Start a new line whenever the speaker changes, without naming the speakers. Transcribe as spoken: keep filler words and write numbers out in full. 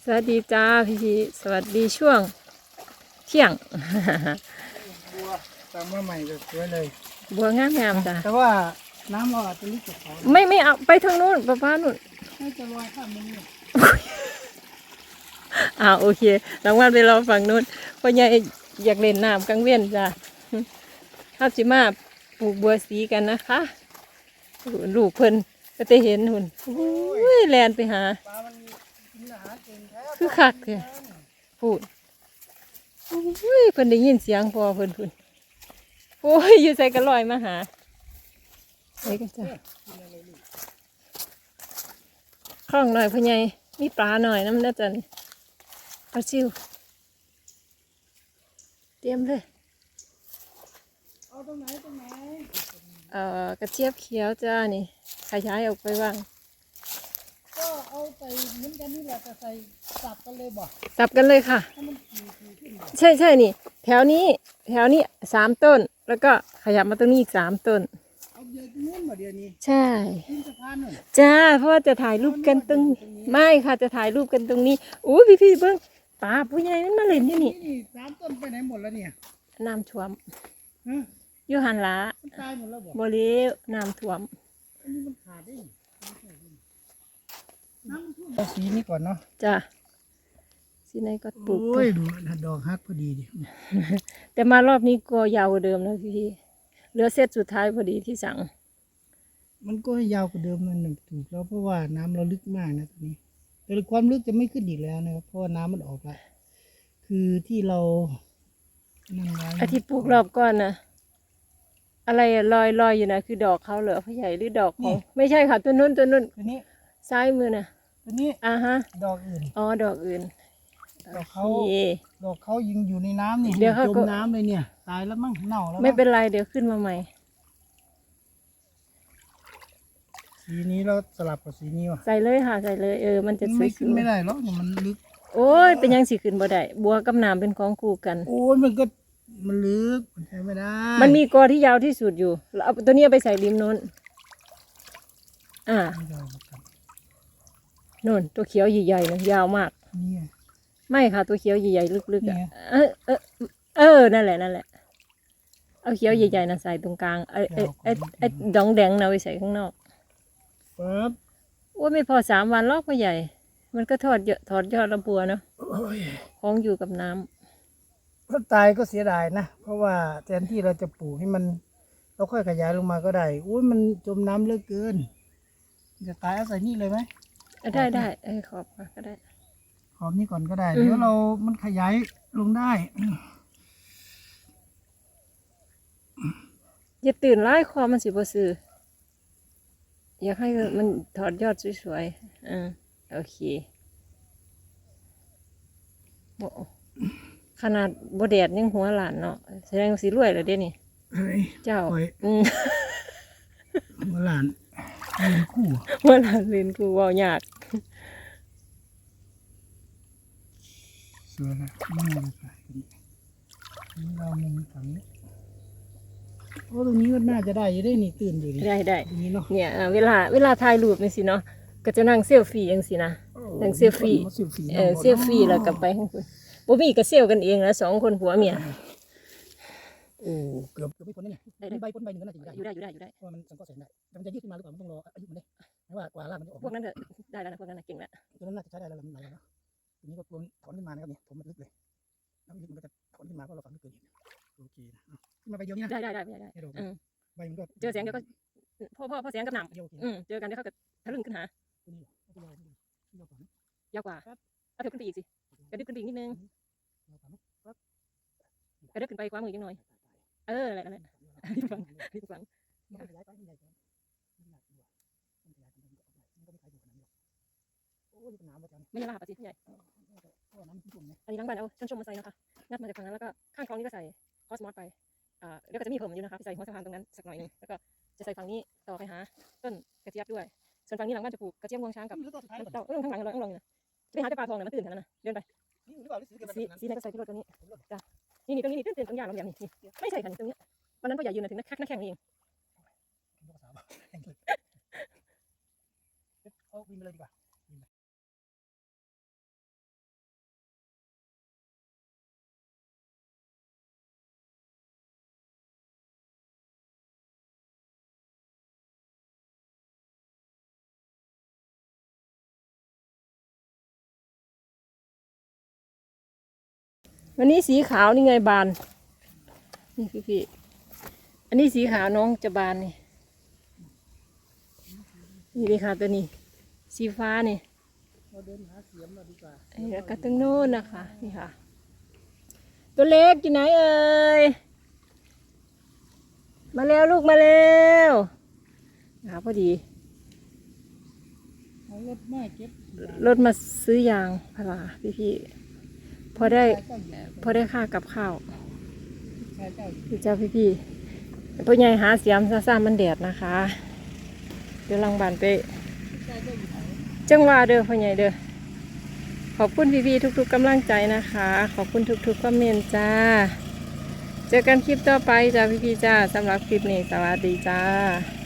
สวัสดีจ้าพี่พี่สวัสดีช่วงเที่ยง
บัวตามมาใหม่ก็สวยเลย
บัวงามงามจ้า
แต่ว่าน้ำเราอาจจะลึกกว่าเขา
ไม่ไม่เอาไปทางนู้นป้าป้านู่น
น่าจะลอยข้ามมันนี่
อ่าโอเครางวัลไปรอฝั่งนู้นพ่อใหญ่อยากเล่นน้ำกลางเวียนจ้าข้าจิมาปลูกบัวสีกันนะคะลูกเพิ่นก็จะเห็นหุ่นอุ้ยแลนไปหา
ปลามันกินอาหารเก่งแท้
คือคักเลยพูดอุ้ยเพิ่นได้ยินเสียงพอเพิ่นพุ่นโอ้ยอยู่ใส่กระลอยมาหาไปกันจ้าคล้องหน่อยพ่อใหญ่มีปลาหน่อยน้ำน่าจะนี่ปลาซิวเตรียมเลย
เอาตรงไหนตรงไหน
เอ่อกระเจี๊ยบเขียวจ้านี่ขยายออกไปว่าง
ก็เอาใส่เหมือนกันนี่แหละแต่ใส่สับกันเลยบ่
สับกันเลยค่ะ
ให้มันขี่ขี่ขึ้นบ่
ใช่ใช่นี่ แถวนี้แถวนี้สามต้น แล้วก็ขยับมาตรงนี้อีกสามต้น
เอาเดี๋ยวตรงนู้นบ่เดี๋ยวนี้
ใช่
ขึ้นสะพานนู่น
จ้าเพราะว่าจะถ่ายรูปกันตรงไม่ค่ะจะถ่ายรูปกันตรงนี้อู้พี่พี่ๆเบิ้งปลาผู้ใหญ่มันมาเล่นอยู่นี่
นี่สามต้นไปไหนหมดแล้วเนี่ย
น้ำท่วม
ฮะ
อยู่หันหละ
มันตายหมดแล้วบ่
บริเวน้ำท่วม
อันนี้มันขาดได้น้ำมันท่วมเอาสีนี้ก่อนเนาะ
จ้าสิไหนก็ปลูก
โอ้ยดูนะดอกฮักพอดีดิ
แต่มารอบนี้ก็ยาวกว่าเดิมนะพี่พี่ๆเหลือเซตสุดท้ายพอดีที่สั่ง
มันก็ให้ยาวกว่าเดิมนั่นหนึ่งถูกแล้วเพราะว่าน้ำเราลึกมากนะตอนนี้ แต่ความลึกจะไม่ขึ้นอีกแล้วนะครับเพราะว่าน้ำมันออกละคือที่เรานั่นไว้
อาทิตย์ปลูกรอบก่อนนะอะไรอะลอยลอยอยู่นะคือดอกเขาเหรอพ่อใหญ่หรือดอกของไม่ใช่ค่ะตัวนู้นตัวนู้น
ตัวนี้
ซ้ายมือนะ
ตัวนี้
อ่าฮะ
ดอกอื่น
อ๋อดอกอื่น
ดอกเขา
โอเค
ดอกเขายิงอยู่ในน้ำนี่
เดี๋ยวเขา
จ
ก็
มน้ำเลยเนี่ย ตายแล้วมั้งเน่าแล้ว
ไม่
มั้ง
เป็นไรเดี๋ยวขึ้นมาใหม่
สีนี้เราสลับกับสีนี้ว่ะ
ใส่เลยค่ะใส่เลยเออมันจะ
มัน
สว
ไม่
ย
ขึ้นไม่ได้หรอกเนี่ยมันลึก
ๆโอ้ยเป็นยังสิขึ้นบ่ได้บัวกับน้ำเป็นของคู่กัน
โอ้ยมันก็มันลึกมันใช้ไม่ได้
มันมีกอที่ยาวที่สุดอยู่เราเอาตัวนี้เอาไปใส่ริมโน้นอ่า
ไม่ได้เหมือนกัน
โน่นตัวเขียวใหญ่ๆนะยาวมาก
เนี่ย
ไม่ค่ะตัวเขียวใหญ่ๆลึกๆอ่ะ
เนี่ย
เออเออเออนั่นแหละนั่นแหละเอาเขียวใหญ่ๆนะใส่ตรงกลางไอ้ไอ้ไอ้ไอ้ดองแดงนะไปใส่ข้างนอก
ปั๊บ
โอ้ยไม่พอสามวันลอกพ่อใหญ่ มันก็ทอดเยอะถอดยอดลำบัวเนาะ
โอ้ย
ของอยู่กับน้ำ
ถ้าตายก็เสียดายนะ เพราะว่าแทนที่เราจะปลูกให้มัน เราค่อยขยายลงมาก็ได้อุ้ยมันจมน้ำเหลือเกิน จะตายเอาใส่นี่เลยไหม
เออได้ได้เออขอบค่ะก็ได้
ขอบนี่ก่อนก็ได้
อืม
เดี๋ยวเรา มันขยายลงได้
อย่าตื่นไล่คอมันสิบ่ซื้ออยากให้มันถอดยอดสวยๆอ่าโอเคบ่ขนาดบ่แดดยังหัวหลานเนาะแสดงว่าสิรวยแล้วเด้นี่
เฮ้ย
เจ้า
ปล่อย
อืม
หัวหลานยืนคู่
หัวหลานเรียนกูเว้ายาก
สวยนะนี่เราใส่นี่เรามุมฝั่งนี้โอ้ตรงนี้ก็น่าจะได้อยังได้นี่ตื่นอยู่ดิ
ได้ได้
ตรงนี้เนาะ
เนี่ยเอ่อเวลาเวลาถ่ายรูปนี่สิเนาะก็จะนั่งเซลฟี่จังสินะนั่งเซลฟี่
เซลฟี่
เออเซลฟี่แล้วกลับไปข้างบนบ่มีก็เซลกันเองนะสองคนผัวเมีย
โอ้เกือบเกือบไม่พ้นนี่
ได้ได้
ใบพ้นใบหนึ่งก็น่าจะอยู่ได้
อยู่ได้อยู่ได้อยู่ได้
เพราะว่ามันสังเคราะห์แสงได้แต่มันจะยืดขึ้นมาหรือเปล่ามันต้องรออายุมันเลยไม่ว่ากว่าล่างมันจะออก
พวกนั้นเถอะได้แล้วนะพวกนั้นนะเก่งแล้ว
ตัวนั้นน่าจะใช้ได้แล้วมันไหลแล้วเนาะทีนี้ก็ตัวถอนขึ้นมานะครับเนี่ยผมมันลึกเลยน้ำลึกมันก็จะถอนขึ้นมาเพราะเราฝังลึกเกินโอเคนะอ่ะขึ้นมาใบเดียวนี่นะ
ได้ได้ได้ได้ได้
ให้ดอก
อืม
ใบมันก็
เจอแสงเดี๋ยวก็พ่อพ่อพ่อแสงกับหน
เดียวโอเค
ำอืมเจอกันเดี๋ยวเขาก็ทะลึ่งขึ้นหา
ตัวนี้ตัวนี้ตัวนี้ตัวนี้ก่อนนะ
ยาวกว่าเอาเถอะขึ้นไปอีกสิกระดึ๊บขึ้นไปอีกนิดนึง
เราก่อนนะ
กระดึ๊บขึ้นไปกว่ามือยังหน่อยเอออะไรนั่นแหละที่ฟังที่ฟัง
มันก็ขยายไปมันใหญ่กว่ามันหนักกว่ามันขยายไปมันก็ออกได้มันก็ไม่ขยายอยู่ขนาดนี้หรอกโอ้ยเป็นน้ำประจำ
ไม่ใช่ลาบอ่ะสิพี่ใหญ่
เพราะว่าน้ำมันชุ่มๆนะ
อันนี้ล้างบ้านเอาชนชมมาใส่นะคะงัดมาจากฝั่งนั้นแล้วก็ข้างคลองนี้ก็ใส่คอสมอสไปอ่าแล้วก็จะมีเพิ่มอยู่นะคะใส่หัวสะพานตรงนั้นสักหน่อยหนึงแล้วก็จะใส่ฝั่งนี้ต่อไปหาต้นกระเจี๊ยบด้วยส่วนฝั่งนี้หลังบ้านจะปลูกกระเจี๊ยบงวงช้างกับ
นี่หรือตัวสุดท้ายก่อน
เต่าเออข้างหลังเลยข้างหลังนะไปหาแต่ปลาทองนะมันตื่นขนาดนั้นนะเดินไป
นี่หรือเปล่าหรือสีเดียวกัน
สี
แบบนั้น
สีไหนก็ใส่ที่รถตัวนี้จ้ะนี่นี่ตรงนี้นี่ตื่นตื่นตรงยางลำอย่างนี้นี่ไม่ใช่ค่ะนี่ตรงนี้วันนั้นก็อย่ายืนนะถึงนักนักแข่งนี่เอง
เอาวินมาเลยดีกว่า
วันนี้สีขาวนี่ไงบานนี่พี่พี่อันนี้สีขาวน้องจะบานนี่นี่เลยค่ะตัวนี้สีฟ้านี่
เราเดินหาเสียมเราดีกว่า
ไอ้แล้วก็ตรงโน้นนะคะนี่ค่ะ ตัวเล็กอยู่ไหนเอ่ยมาแล้วลูกมาแล้วนะคะพอดี
เอารถมาเก็บ
รถมาซื้อยางพาราพี่พี่ๆพอได้พอได้ค่ากับข้าว
ชายเจ้า
พี่เจ้าพี่พี่ๆพ่อใหญ่หาเสียมซาซามันแดดนะคะ เดี๋ยวลังบานไป
ชายเจ้าอยู่ไหน
จังหวะเด้อพ่อใหญ่เด้อขอบคุณพี่พี่ๆทุกๆกำลังใจนะคะ ขอบคุณทุกๆคอมเมนต์จ้า เจอกันคลิปต่อไปจ้าพี่พี่ๆจ้าสำหรับคลิปนี้สวัสดีจ้า